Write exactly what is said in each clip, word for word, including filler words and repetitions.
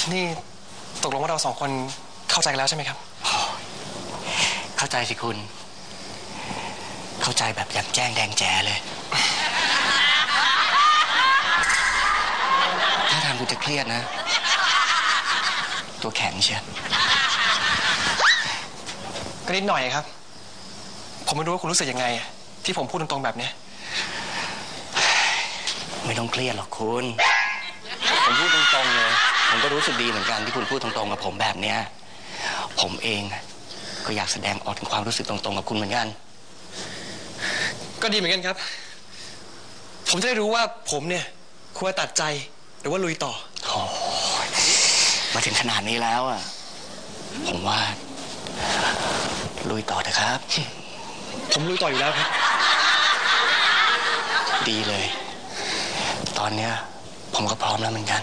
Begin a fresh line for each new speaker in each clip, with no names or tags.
นี่ตกลงว่าเราสองคนเข้าใจกันแล้วใช่ไหมครับ
เข้าใจสิคุณเข้าใจแบบแจ่มแจ้งแดงแจ๋เลยถ้าทางคุณจะเครียดนะตัวแข็งเชียว
ก็นิดหน่อยครับผมไม่รู้ว่าคุณรู้สึกยังไงที่ผมพูดตรงๆแบบนี้
ไม่ต้องเครียดหรอกคุณผมพูดตรงๆเลยผมก็รู้สึกดีเหมือนกันที่คุณพูดตรงๆกับผมแบบเนี้ยผมเองก็อยากแสดงออกถึงความรู้สึกตรงๆกับคุณเหมือนกัน
ก็ดีเหมือนกันครับผมจะได้รู้ว่าผมเนี่ยควรตัดใจหรือว่าลุยต่อ
โอ้มาถึงขนาดนี้แล้วอ่ะผมว่าลุยต่อเถอะครับ
ผมลุยต่ออยู่แล้วครับ
ดีเลยตอนเนี้ยผมก็พร้อมแล้วเหมือนกัน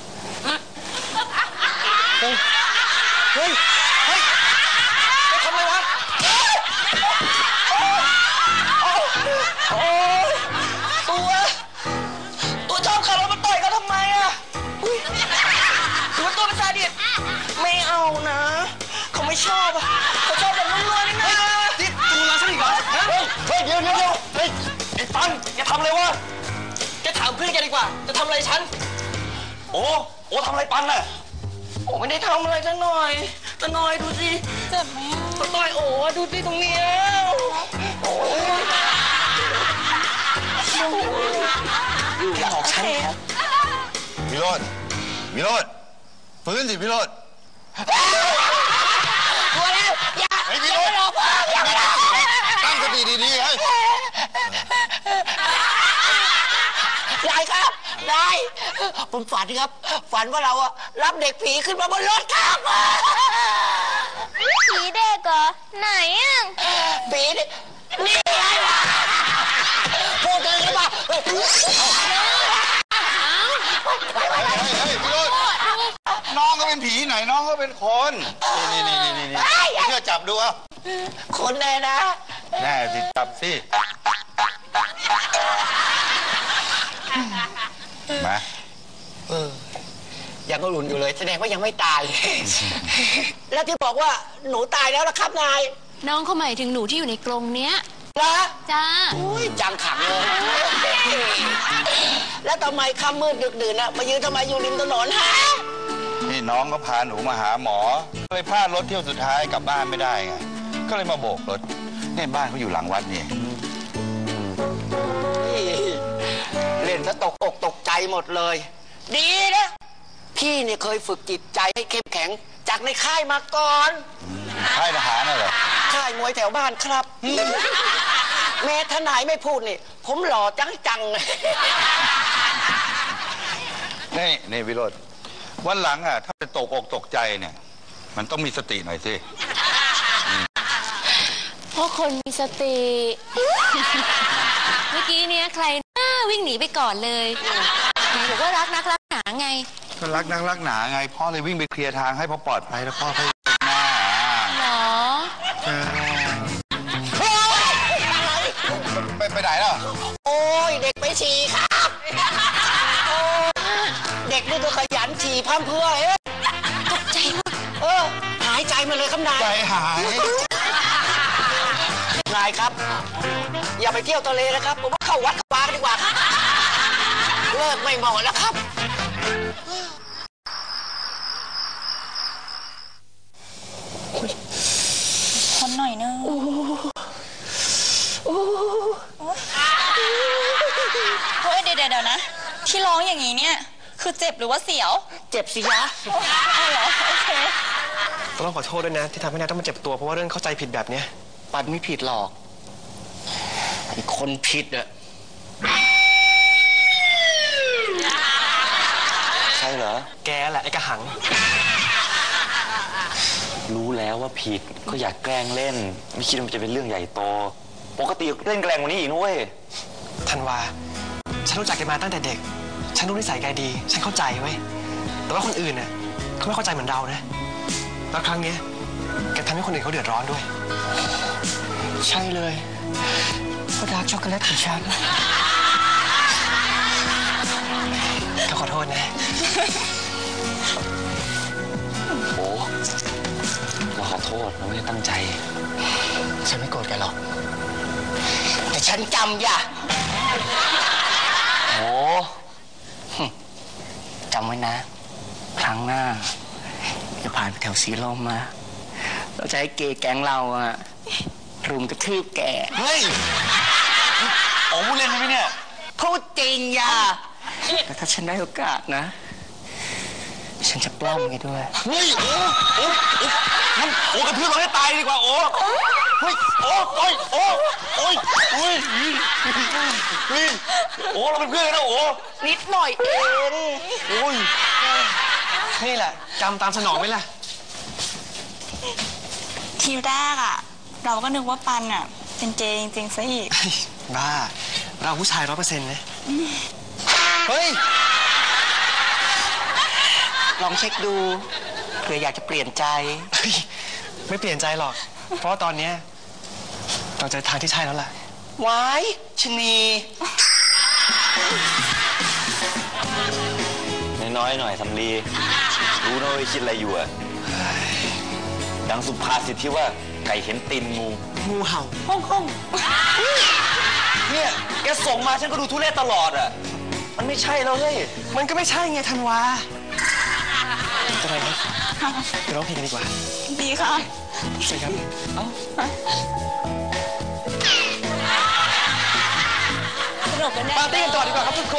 เฮ้ยเฮ้ยเฮ้ยจะทำอะไรวะโอ้ยตัวตัวชอบขับรถมาต่อยเขาทำไมอ่ะหรือว่าตัวเป็นซาดิสไม่เอานะเขาไม่ชอบอ่ะเขาชอบแบบนุ่มๆนี่นะนี่ตัวมาซะอีกเหรอเฮ้ยเฮ้ยเดี๋ยวเดี๋ยวเฮ้ยไอ้ปังแกทำอะไรวะแกถามเพื่อนแกดีกว่าจะทำอะไรฉันโอ้โอ้ทำอะไรปังน่ะโอ้ไม่ได้ทำอะไรซะหน่อยซะหน่อยดูสิ
เจ็บไหม
ซะหน่อยโอ้ดูสิตรงนี้โอ้ยแกหลอกฉันครับ
วิโรจน์วิโรจน์ฟื้นสิวิโรจน์
ตัวแล้วอย่า
ไอ้วิโรจน์ตั้งสติดีๆให้
ยายครับนายผมฝันครับฝันว่าเราอะรับเด็กผีขึ้นมาบนรถครับ
ผีเด็กเหรอไหนอ่ะ
ผีนี่นี่ไงพูดเลยครับ
เฮ้ยเฮ้ยวิโรจน์น้องก็เป็นผีไหนน้องก็เป็นคนนี่นี่นี่นี่เชื่อจับดูเอา
คนแน่นะ
แน่สิจับสิมา
เออยังก็หลุนอยู่เลยแสดงว่ายังไม่ตายแล้วที่บอกว่าหนูตายแล้วล่ะครับนาย
น้องเขาหมายถึงหนูที่อยู่ในกรงเนี้ย
นะ
จ้า
อุ้ยจังขังเลยแล้วทำไมค่ำมืดดึกดื่นอะมายืนทำไมอยู่ริมถนนฮะ
นี่น้องก็พาหนูมาหาหมอก็เลยพลาดรถเที่ยวสุดท้ายกลับบ้านไม่ได้ไงก็เลยมาโบกรถเนี่ยบ้านเขาอยู่หลังวัดนี่
เล่นซะตกอกตกใจหมดเลยดีนะพี่เนี่ยเคยฝึกจิตใจให้เข้มแข็งจากในค่ายมาก่อน
ค่ายทหารน่ะเหรอ
ค่ายมวยแถวบ้านครับแม่ทนายไม่พูดนี่ผมหล่อจังจัง
นี่นี่วิโรจน์วันหลังอ่ะถ้าจะตกอกตกใจเนี่ยมันต้องมีสติหน่อยสิ
เพราะคนมีสติเมื่อกี้เนี้ยใครน่าวิ่งหนีไปก่อนเลยไหนบอกว่ารักนักรักหนาไง
ก็รักนักรักหนาไงพ่อเลยวิ่งไปเคลียร์ทางให้พอปลอดภัยแล้วพ่อค่อยหน้า
หรอ
ไปไปไหนล่ะ
โอ้ยเด็กไปฉี่ครับเด็กนี่ตัวขยันฉี่พั่มเพื่อเอ๊ะ
ตกใจมาก
เออหายใจมาเลยครับนาย
ใจหาย
นายครับอย่าไปเที่ยวทะเลนะครับผมว่าเข้าวัดเข้าวากันดีกว่าครับเลิกไม่เหมาะแล้วครับ
คนหน่อยนึงเฮ้ยเดี๋ยวเดี๋ยวนะที่ร้องอย่างนี้เนี่ยคือเจ็บหรือว่าเสียว
เจ็บสิยะ
อ๋อเหรอโอเค
ต้องขอโทษด้วยนะที่ทำให้นายต้องมาเจ็บตัวเพราะว่าเรื่องเข้าใจผิดแบบเนี้ย
ปัดไม่ผิดหรอกไอ้คนผิดอะใช่เหรอ
แกแหละไอ้กระหัง
รู้แล้วว่าผิดก็อยากแกล้งเล่นไม่คิดว่ามันจะเป็นเรื่องใหญ่โตปกติเล่นแกล้งกว่านี้อีกนุ้ย
ธันวาฉันรู้จักแกมาตั้งแต่เด็กฉันรู้นิสัยแกดีฉันเข้าใจเว้ยแต่ว่าคนอื่นน่ะเขาไม่เข้าใจเหมือนเรานะแล้วครั้งนี้แกทำให้คนอื่นเขาเดือดร้อนด้วย
ใช่เลยเพราะดาร์กช็อกโกแลตของฉัน
ก็ขอโทษนะ
ษเราไม่ได้ตั้งใจ
ฉันไม่โกรธแกหรอก แต่ฉันจำอย่า
โอ้จำไว้นะ ครั้งหน้าจะผ่านไปแถวสีลมมา เราจะให้เกย์แก๊งเราอะรุมกระทืบแก
เฮ้ยโอ้พูดเล่นไหมเนี่ย
พูดจริงอย่า
แต่ถ้าฉันได้โอกาสนะ ฉันจะปล้ำแกด้วย
เฮ้ยโอ้โอ้โอ้งั้นโอ้กระทืบเราให้ตายดีกว่าโอ้เฮ้ยโอ้โอ้ยโอ้โอ้ยโอ้ยเฮ้ยโอ้เราเป็นเพื่อนกันนะโอ้
นิดหน่อยเอง
โอ้ย
นี่แหละกรรมตามสนองไหมล่ะ
ทีแรกอะเราก็นึกว่าปันอะเป็นเจจริงๆซะอีก
บ้า เราผู้ชายร้อยเปอร์เซ็นต์เลย
เฮ้ย ลองเช็คดูเผื่ออยากจะเปลี่ยนใจ
เฮ้ย ไม่เปลี่ยนใจหรอก เพราะว่าตอนเนี้ยเราเจอทางที่ใช่แล้วล่ะ
ไว้ชะนี
น้อยๆหน่อยสำลีรู้นะว่าคิดอะไรอยู่อะดังสุภาษิตที่ว่าไก่เห็นตีนงู
งูเห่า
ห้องห้องเนี่ยแกส่งมาฉันก็ดูทุเรศตลอดอะมันไม่ใช่แล้วเฮ้ย
มันก็ไม่ใช่ไงธันวาจะไปไหมไปร้องเพลงกันดีกว่า
ดีค่ะ
ใช่ครับ
สนุกกันแน่
ปาร์ตี้กันต่อดีกว่าครับทุกคน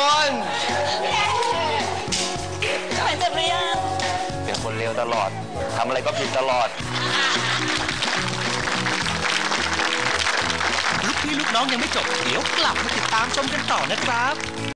หายเจ็บหรือยัง
เป็นคนเลวตลอดทำอะไรก็ผิดตลอด
ลูกพี่ลูกน้องยังไม่จบ เดี๋ยวกลับมาติดตามชมกันต่อนะครับ